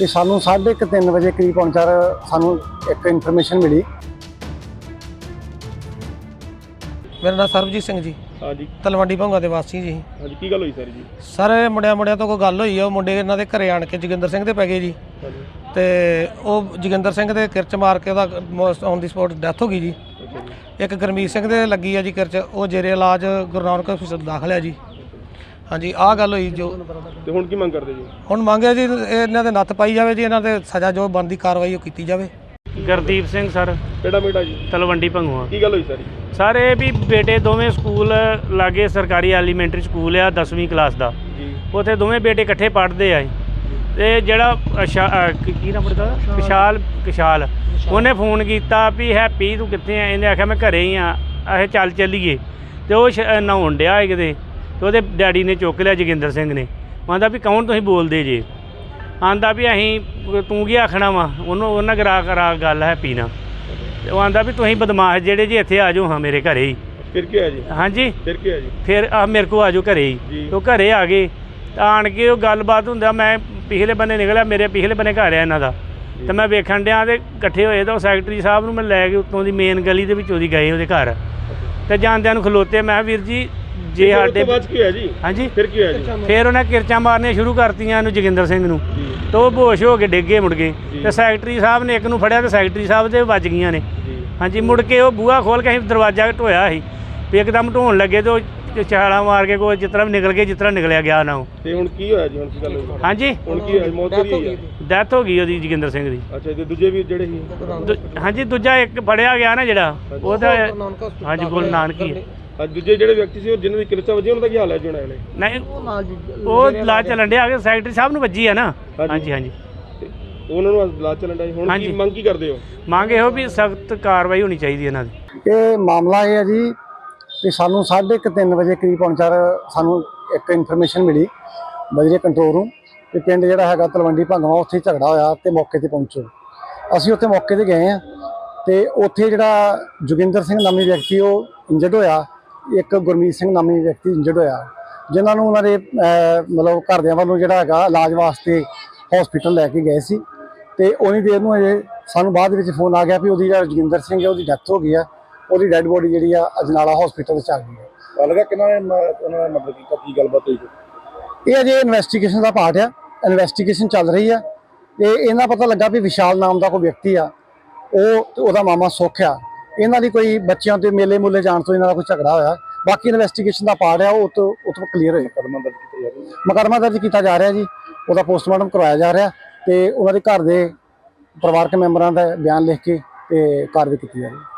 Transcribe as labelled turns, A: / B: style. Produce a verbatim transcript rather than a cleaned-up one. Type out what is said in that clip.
A: ਤੇ ਸਾਨੂੰ साढ़े तीन वजे करीब पौने चार सानू एक इन्फॉर्मेशन मिली।
B: मेरा नाम सरबजीत सिंह जी।
C: हाँ जी।
B: तलवंडी भंगा के वासी जी।
C: हाँ जी, की गल हुई सर जी?
B: सर मुंडिया मुंडिया तो कोई गल हुई है, मुंडे इन्हां दे घरे आण के जोगिंदर सिंह दे पै गए जी। ते ਉਹ जोगिंदर सिंह दे किरच मार के ਉਹਦਾ ऑन दी स्पॉट डैथ हो गई जी। एक गुरमीत सिंह दे लगी है जी किरच, ਉਹ जेरे इलाज गुरु नानक हॉस्पिटल दाखल है जी। हाँ जी, आह गल हुई जो
C: ਤੇ ਹੁਣ ਕੀ ਮੰਗ ਕਰਦੇ ਜੀ?
B: ਹੁਣ ਮੰਗਿਆ ਜੀ ਇਹਨਾਂ ਦੇ ਨੱਥ ਪਾਈ ਜਾਵੇ ਜੀ, ਇਹਨਾਂ ਦੇ ਸਜ਼ਾ ਜੋ ਬਣਦੀ ਕਾਰਵਾਈ ਉਹ ਕੀਤੀ ਜਾਵੇ।
D: ਗੁਰਦੀਪ ਸਿੰਘ ਸਰ,
C: ਕਿਹੜਾ ਬੇਟਾ ਜੀ?
D: ਤਲਵੰਡੀ ਭੰਗੂਆ।
C: ਕੀ ਗੱਲ ਹੋਈ ਸਰ?
D: ਸਰ ਇਹ ਵੀ ਬੇਟੇ ਦੋਵੇਂ ਸਕੂਲ ਲਾਗੇ ਸਰਕਾਰੀ ਐਲੀਮੈਂਟਰੀ ਸਕੂਲ ਆ ਦਸਵੀਂ ਕਲਾਸ ਦਾ
C: ਜੀ।
D: ਉੱਥੇ ਦੋਵੇਂ ਬੇਟੇ ਇਕੱਠੇ ਪੜ੍ਹਦੇ ਆ ਤੇ ਜਿਹੜਾ ਕੀ ਨਾਮ ਪੜਦਾ ਕਿਸ਼ਾਲ ਕਿਸ਼ਾਲ ਉਹਨੇ ਫੋਨ ਕੀਤਾ ਵੀ ਹੈਪੀ ਤੂੰ ਕਿੱਥੇ ਆ? ਇਹਨੇ ਆਖਿਆ ਮੈਂ ਘਰੇ ਹੀ ਆ, ਇਹ ਚੱਲ ਚੱਲੀਏ। ਤੇ ਉਹ ਨਹਾਉਣ ਡਿਆ ਹੈ ਕਿਤੇ, ਤੇ ਉਹਦੇ ਡੈਡੀ ਨੇ ਚੁੱਕ ਲਿਆ ਜੋਗਿੰਦਰ ਸਿੰਘ ਨੇ। ਆਂਦਾ ਵੀ ਕੌਣ ਤੁਸੀਂ ਬੋਲਦੇ ਜੇ? ਆਂਦਾ ਵੀ ਅਸੀਂ ਤੂੰ ਕੀ ਆਖਣਾ ਵਾ ਉਹਨੂੰ, ਉਹਨਾਂ ਕਰਾ ਕਰਾ ਗੱਲ ਹੈਪੀ ਨਾਲ। ਉਹ ਆਂਦਾ ਵੀ ਤੁਸੀਂ ਬਦਮਾਸ਼ ਜਿਹੜੇ ਜੀ ਇੱਥੇ ਆ ਜਾਓ ਹਾਂ ਮੇਰੇ ਘਰੇ ਹੀ।
C: ਫਿਰ ਕੀ ਹੋਇਆ ਜੀ?
D: ਹਾਂਜੀ,
C: ਫਿਰ ਕੀ ਹੋਇਆ ਜੀ?
D: ਫਿਰ ਆ ਮੇਰੇ ਕੋਲ ਆ ਜਾਓ ਘਰੇ ਹੀ। ਉਹ ਘਰੇ ਆ ਗਏ ਤਾਂ ਆਣ ਕੇ ਉਹ ਗੱਲਬਾਤ ਹੁੰਦਾ, ਮੈਂ ਪਿਛਲੇ ਬੰਨੇ ਨਿਕਲਿਆ, ਮੇਰੇ ਪਿਛਲੇ ਬੰਨੇ ਘਰ ਆ ਇਹਨਾਂ ਦਾ, ਤੇ ਮੈਂ ਵੇਖਣ ਡਿਆ ਤੇ ਇਕੱਠੇ ਹੋਏ ਤਾਂ ਉਹ ਸੈਕਟਰੀ ਸਾਹਿਬ ਨੂੰ ਮੈਂ ਲੈ ਕੇ ਉੱਤੋਂ ਦੀ ਮੇਨ ਗਲੀ ਦੇ ਵਿੱਚ ਉਹਦੀ ਗਏ ਉਹਦੇ ਘਰ, ਤੇ ਜਾਂਦਿਆਂ ਨੂੰ ਖਲੋਤੇ। ਮੈਂ ਵੀਰ ਜੀ ਜੇ ਸਾਡੇ
C: ਬਾਅਦ ਕੀ ਹੋਇਆ ਜੀ?
D: ਹਾਂਜੀ,
C: ਫਿਰ ਕੀ ਹੋਇਆ ਜੀ?
D: ਫਿਰ ਉਹਨੇ ਕਿਰਚਾਂ ਮਾਰਨੀਆਂ ਸ਼ੁਰੂ ਕਰਤੀਆਂ ਇਹਨੂੰ ਜੋਗਿੰਦਰ ਸਿੰਘ ਨੂੰ, ਤੇ ਉਹ ਬੇਹੋਸ਼ ਹੋ ਕੇ ਡਿੱਗੇ ਮੁੜ ਗਏ। ਤੇ ਸੈਕਟਰੀ ਸਾਹਿਬ ਨੇ ਇੱਕ ਨੂੰ ਫੜਿਆ ਤੇ ਸੈਕਟਰੀ ਸਾਹਿਬ ਦੇ ਵੱਜ ਗਈਆਂ ਨੇ। ਹਾਂਜੀ, ਮੁੜ ਕੇ ਉਹ ਬੂਹਾ ਖੋਲ ਕੇ ਅਸੀਂ ਦਰਵਾਜ਼ਾ ਢੋਇਆ ਸੀ, ਵੀ ਇੱਕਦਮ ਢੋਣ ਲੱਗੇ ਤੇ ਉਹ ਛਾਲਾਂ ਮਾਰ ਕੇ ਕੋਈ ਜਿਸ ਤਰ੍ਹਾਂ ਵੀ ਨਿਕਲ ਕੇ ਜਿਸ ਤਰ੍ਹਾਂ ਨਿਕਲਿਆ ਗਿਆ ਨਾ ਉਹ।
C: ਤੇ ਹੁਣ ਕੀ ਹੋਇਆ ਜੀ? ਹੁਣ ਕੀ ਗੱਲ ਹੋਈ?
D: ਹਾਂਜੀ,
C: ਹੁਣ ਕੀ ਹੋਇਆ? ਮੌਤ ਹੋਈ ਹੈ?
D: ਡੈਥ ਹੋ ਗਈ ਉਹਦੀ ਜੋਗਿੰਦਰ ਸਿੰਘ ਦੀ।
C: ਅੱਛਾ, ਤੇ ਦੂਜੇ ਵੀ ਜਿਹੜੇ ਸੀ?
D: ਦੂ- ਹਾਂਜੀ, ਦੂਜਾ ਇੱਕ ਫੜਿਆ ਗਿਆ ਨਾ ਜਿਹੜਾ ਉਹਦਾ, ਹਾਂਜੀ ਗੁਰੂ ਨਾਨਕੀ।
C: ਅੱਜ ਦੂਜੇ ਜਿਹੜੇ ਵਿਅਕਤੀ ਸੀ ਉਹ ਜਿਨ੍ਹਾਂ ਦੀ ਕਿਰਚਾ ਵਜੀ ਉਹਨਾਂ ਦਾ ਕੀ ਹਾਲ ਹੈ ਜੀ? ਹੁਣ
D: ਨਹੀਂ ਉਹ ਲਾ ਚੱਲਣ ਡਿਆ ਕਿ ਸੈਕਟਰੀ ਸਾਹਿਬ ਨੂੰ ਵੱਜੀ ਆ ਨਾ। ਹਾਂਜੀ ਹਾਂਜੀ,
C: ਉਹਨਾਂ ਨੂੰ ਲਾ ਚੱਲਣ ਡਿਆ। ਹੁਣ ਕੀ ਮੰਗ ਕੀ ਕਰਦੇ ਹੋ?
D: ਮੰਗ ਇਹੋ ਵੀ ਸਖਤ ਕਾਰਵਾਈ ਹੋਣੀ ਚਾਹੀਦੀ ਇਹਨਾਂ ਦੀ।
A: ਇਹ ਮਾਮਲਾ ਇਹ ਹੈ ਜੀ ਕਿ ਸਾਨੂੰ साढ़े तीन वजे करीब पौने चार सानू एक इन्फॉर्मेशन मिली बजरे कंट्रोल रूम कि पिंड जिहड़ा हैगा तलवंडी भंगवा उत्थे झगड़ा होया ते मौके ते पहुंचो। असीं उत्थे मौके ते गए हैं ते उत्थे जिहड़ा जोगिंदर सिंह नामी व्यक्ति वो इंजर्ड होया, एक गुरमीत सिंह नामी व्यक्ति इंजर्ड होया, जिन्हां नूं उन्हां दे मतलब घरदियां वालों जिहड़ा हैगा इलाज वास्ते हॉस्पिटल लैके गए सी। ते उन्नी देर नूं अजे सानू बाद विच फोन आ गया भी उहदी जिहड़ा जोगिंदर सिंह है उहदी डैथ हो गई है, ਉਹਦੀ ਡੈਡ ਬੋਡੀ ਜਿਹੜੀ ਆ ਅਜਨਾਲਾ ਹਸਪੀਟਲ ਵਿੱਚ ਆ ਗਈ ਹੈ।
C: ਲੱਗਾ ਕਿੰਨਾ ਉਹਨਾਂ ਨੇ ਮਤਲਬ ਕੀ ਕੀ ਗੱਲਬਾਤ ਹੋਈ?
A: ਇਹ ਅਜੇ ਇਨਵੈਸਟੀਗੇਸ਼ਨ ਦਾ ਪਾਰਟ ਆ, ਇਨਵੈਸਟੀਗੇਸ਼ਨ ਚੱਲ ਰਹੀ ਆ। ਤੇ ਇਹਨਾਂ ਪਤਾ ਲੱਗਾ ਵੀ ਵਿਸ਼ਾਲ ਨਾਮ ਦਾ ਕੋਈ ਵਿਅਕਤੀ ਆ, ਉਹ ਉਹਦਾ ਮਾਮਾ ਸੁੱਖ ਆ, ਇਹਨਾਂ ਦੀ ਕੋਈ ਬੱਚਿਆਂ ਤੇ ਮੇਲੇ ਮੂਲੇ ਜਾਣ ਤੋਂ ਇਹਨਾਂ ਦਾ ਕੋਈ ਝਗੜਾ ਹੋਇਆ। ਬਾਕੀ ਇਨਵੈਸਟੀਗੇਸ਼ਨ ਦਾ ਪਾਰਟ ਆ, ਉਹ ਤੋਂ ਉਹ ਤੋਂ ਕਲੀਅਰ ਹੋਏ।
C: ਮੁਕੱਦਮਾ ਦਰਜ ਕੀਤਾ ਜਾ ਰਿਹਾ?
A: ਮੁਕੱਦਮਾ ਦਰਜ ਕੀਤਾ ਜਾ ਰਿਹਾ ਜੀ, ਉਹਦਾ ਪੋਸਟਮਾਰਟਮ ਕਰਵਾਇਆ ਜਾ ਰਿਹਾ ਤੇ ਉਹਨਾਂ ਦੇ ਘਰ ਦੇ ਪਰਿਵਾਰਕ ਮੈਂਬਰਾਂ ਦਾ ਬਿਆਨ ਲਿਖ ਕੇ ਤੇ ਕਾਰਵਾਈ ਕੀਤੀ ਜਾ ਰਹੀ ਹੈ।